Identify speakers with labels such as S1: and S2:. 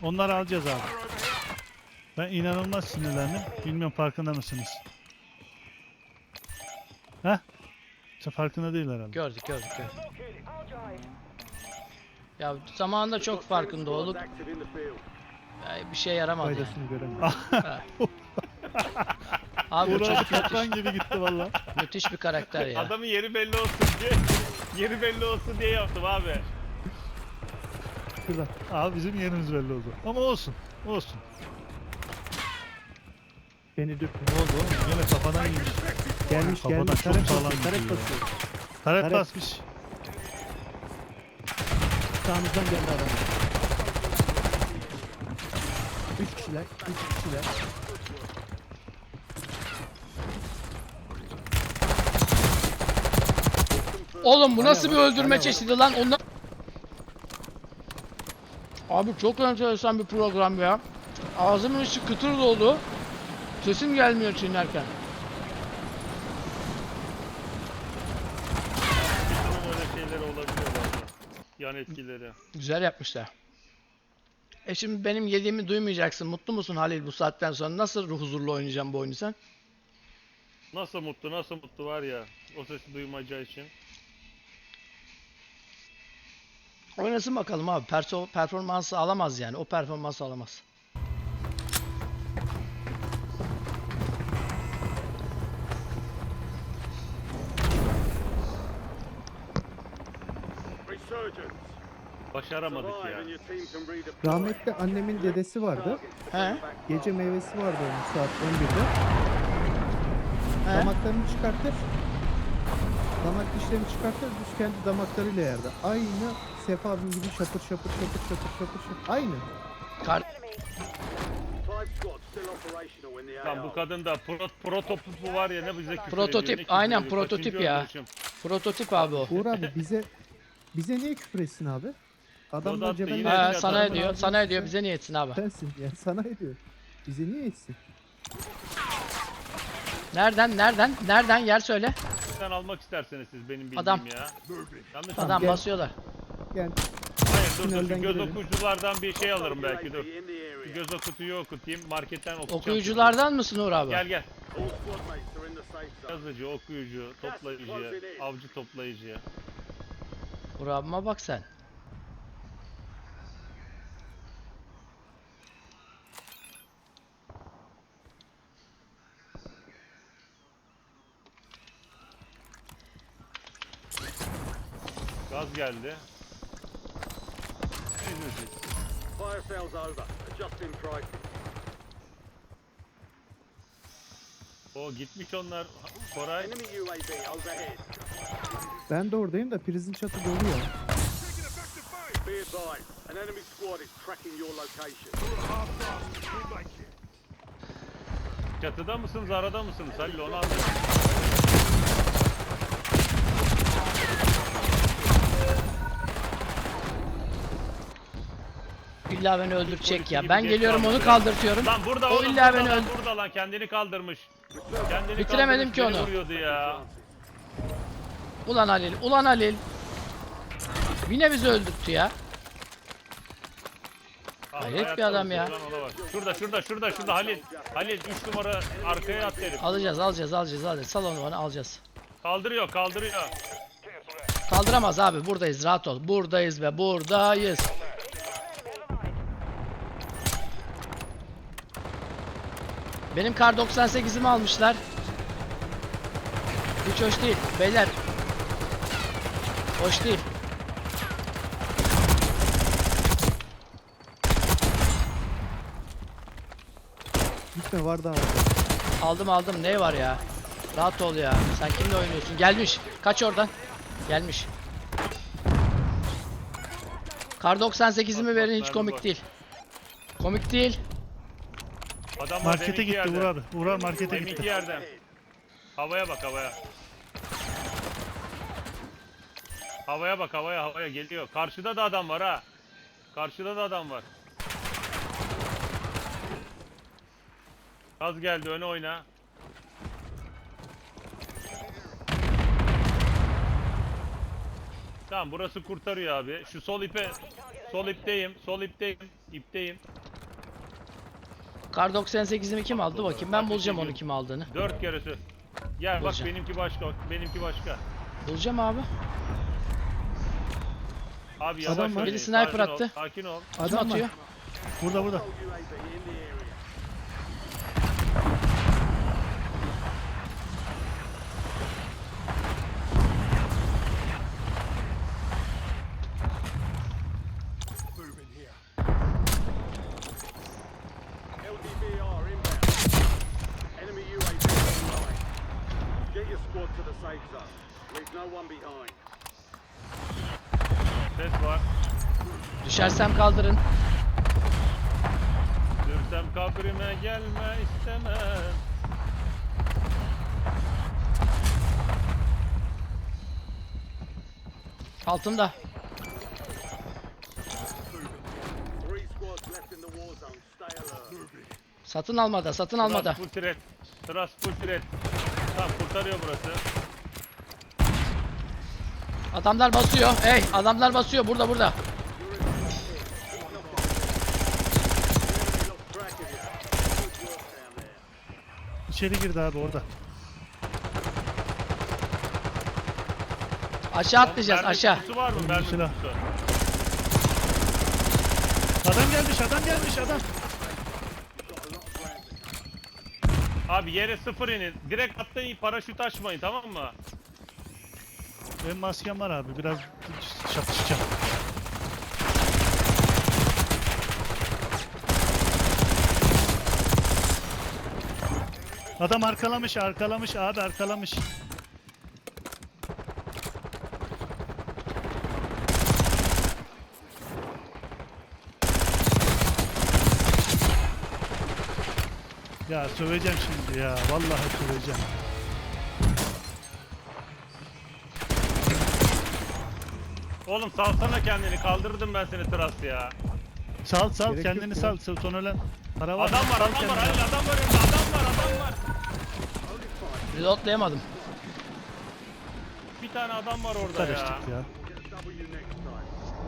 S1: Onları alacağız abi. Ben inanılmaz sinirlendim. Bilmiyorum farkında mısınız? Heh? Sen farkında değil herhalde.
S2: Gördük. Ya zamanında çok farkında olduk. Bir şey yaramadı yani.
S3: Faydasını göremedim.
S2: Ha. Abi bu
S1: Uğradı
S2: çocuk
S1: kaplan gibi gitti valla.
S2: müthiş bir karakter ya.
S4: Adamın yeri belli olsun diye. Yeri belli olsun diye yaptım abi.
S3: Şurada.
S1: Abi bizim yerimiz belli oldu. Ama olsun. Olsun.
S3: Beni dürtme.
S1: Ne oldu oğlum? Yine kafadan yemiş.
S3: Gelmiş
S1: Kafadan
S3: gelmiş.
S1: çok
S3: Taret
S1: sağlam
S3: basıyor. Taret
S1: gidiyor.
S3: basıyor.
S1: Taret
S3: Taret.
S1: basmış.
S3: Sağımızdan geldi adam. 3 kişiler. 3 kişiler.
S2: Oğlum bu nasıl bir
S3: Hala var,
S2: öldürme
S3: hala var.
S2: çeşidi lan? Onlar... Abi çok enteresan bir program ya. Ağzımın içi kıtır doldu. Sesim gelmiyor çiğnerken.
S4: Bunun öyle şeyleri olabiliyor bazen. Yan etkileri.
S2: Güzel yapmışlar. Şimdi benim yediğimi duymayacaksın. Mutlu musun Halil bu saatten sonra? Nasıl huzurlu oynayacağım bu oyunu sen?
S4: Nasıl mutlu var ya. O sesi duymayacağı için.
S2: Oynasın bakalım abi. Performansı alamaz yani. O performansı alamaz.
S4: Başaramadık ya.
S3: Rahmetli annemin dedesi vardı.
S2: He?
S3: Gece meyvesi vardı onun saat 11'de.
S2: He?
S3: Damaklarını çıkartır. Damak dişlerini çıkartır. Düz kendi damaklarıyla yerdi. Aynı Sefa abim gibi şapır şapır. Aynı.
S2: Kar
S4: Lan bu kadın da prototipi var ya ne bize küfür
S2: Prototip,
S4: ediyor, ne küfür
S2: aynen
S4: ediyor.
S2: prototip
S4: Kaçıncı
S2: ya.
S4: öldürüşüm?
S2: Prototip abi o.
S3: Uğur abi bize niye küfür etsin abi? Adamlar
S4: Dodat da
S3: cebelleşti.
S4: yine-
S2: He,
S4: Yine
S2: sana
S4: adamın
S2: ediyor. Sana ediyor. Bize niye etsin abi?
S3: Sensin ya sana ediyor. Bize niye etsin?
S2: Nereden? Yer söyle.
S4: Sen almak isterseniz siz benim bildiğim
S2: Adam.
S4: ya. Yanlış
S2: Adam
S3: gel.
S2: basıyorlar.
S3: Yani
S4: Hayır dur
S3: Tünelden
S4: şu göz
S3: girelim.
S4: okuyuculardan bir şey alırım belki dur. Şu göz okutuyu okutayım marketten okuyacağım.
S2: Okuyuculardan mısın Uğur abi?
S4: Gel. Yazıcı, okuyucu, toplayıcı, avcı toplayıcı.
S2: Uğur abime bak sen.
S4: Gaz geldi.
S5: Fire sales over. Adjusting prices.
S4: O gitmiş onlar. Koray.
S5: Enemy UAV overhead.
S3: ben de oradayım da prizin çatı dolu ya.
S5: Be advised, an enemy squad is tracking your location.
S4: Çatıda mısınız, arada mısınız? Halil onu anladım.
S2: İlla beni öldürecek ya.
S4: Gibi
S2: Ben
S4: geç
S2: geliyorum onu
S4: kalmış ya.
S2: kaldırtıyorum.
S4: Lan burada
S2: O
S4: oğlum,
S2: illa
S4: burada
S2: beni
S4: lan,
S2: öldür.
S4: burada lan kendini kaldırmış. Kendini
S2: Bitiremedim
S4: kaldırmış,
S2: ki
S4: beni
S2: onu.
S4: vuruyordu ya.
S2: Ulan Halil. Yine bizi öldürttü ya. Hayret bir
S4: Hayatta
S2: adam ya.
S4: mısın lan, ona bak. Şurada Halil. Halil 3 numara arkaya at herif.
S2: Alacağız. Sal onu bana alacağız.
S4: Kaldırıyor.
S2: Kaldıramaz abi. Buradayız. Rahat ol. Buradayız ve buradayız. Benim kar 98'imi almışlar. Hiç hoş değil. Beyler. Hoş değil.
S3: Gitme var daha.
S2: Aldım. Ne var ya? Rahat ol ya. Sen kimle oynuyorsun? Gelmiş. Kaç oradan. Gelmiş. Kar 98'imi verin, hiç
S4: Bak,
S2: komik
S4: bak.
S2: değil. Komik değil.
S4: Adam var
S1: Markete
S4: deminki
S1: gitti
S4: yerden.
S1: Uğur abi. Uğur abi markete
S4: Deminki
S1: gitti.
S4: yerden. Havaya bak havaya. Havaya bak havaya geliyor. Karşıda da adam var ha. Az geldi öne oyna. Tamam burası kurtarıyor abi. Şu sol ipe, sol ipteyim, sol ipteyim, ipteyim.
S2: Kar 98'imi kim aldı bakayım. Ben
S4: Ateş
S2: bulacağım onu
S4: ediyorum.
S2: kim aldığını.
S4: 4 kere sür. Gel bak
S2: Bulacağım.
S4: benimki başka, benimki başka.
S2: Bulacağım abi.
S4: Abi
S3: Adam
S4: yavaş
S3: var.
S4: ol,
S2: Biri sniper
S4: sakin ol,
S2: attı.
S4: sakin ol.
S2: Kim
S3: Adam
S2: atıyor?
S3: var.
S1: Burada burada.
S5: Told UAV in the area. Moving here. LDVR inbound. Enemy UAV online. Get your squad to the safe zone. Leave no one behind.
S4: Ses var.
S2: Düşersem kaldırın.
S4: Dürsem kabrime gelme istemem.
S2: Altımda.
S5: 3 squads left in the war zone. Stay alert.
S2: Satın almada, satın almada.
S4: Thrust full threat. Thrust full threat. Tamam kurtarıyor burası.
S2: Adamlar basıyor. Hey, adamlar basıyor burada burada.
S5: Enemy lost track of you. Good work down there.
S1: İçeri girdi abi orada.
S2: Aşağı atlayacağız
S4: Mermi
S2: aşağı.
S4: kutusu var mı?
S1: Önümde
S4: Mermi
S1: silah.
S4: kutusu.
S1: Adam gelmiş, adam gelmiş, adam.
S4: Abi yere sıfır inin. Direkt atlayın, paraşüt açmayın, tamam mı?
S1: Benim maskem var abi. Biraz çatışacağım. Adam arkalamış, arkalamış abi, arkalamış. Ya söveceğim şimdi ya. Vallahi söveceğim.
S4: Oğlum salsana kendini, kaldırdım ben seni tras ya.
S1: Sal sal,
S3: Gerek
S1: kendini
S3: yok
S1: sal.
S3: ya.
S1: Son ölen para var.
S4: Adam var,
S1: Sal
S4: adam var,
S1: kendini.
S4: hayır adam var önünde, adam var, adam var.
S2: Reloadlayamadım.
S4: Bir tane adam var orada
S1: Karıştık
S4: ya.
S1: ya.
S5: Get a W next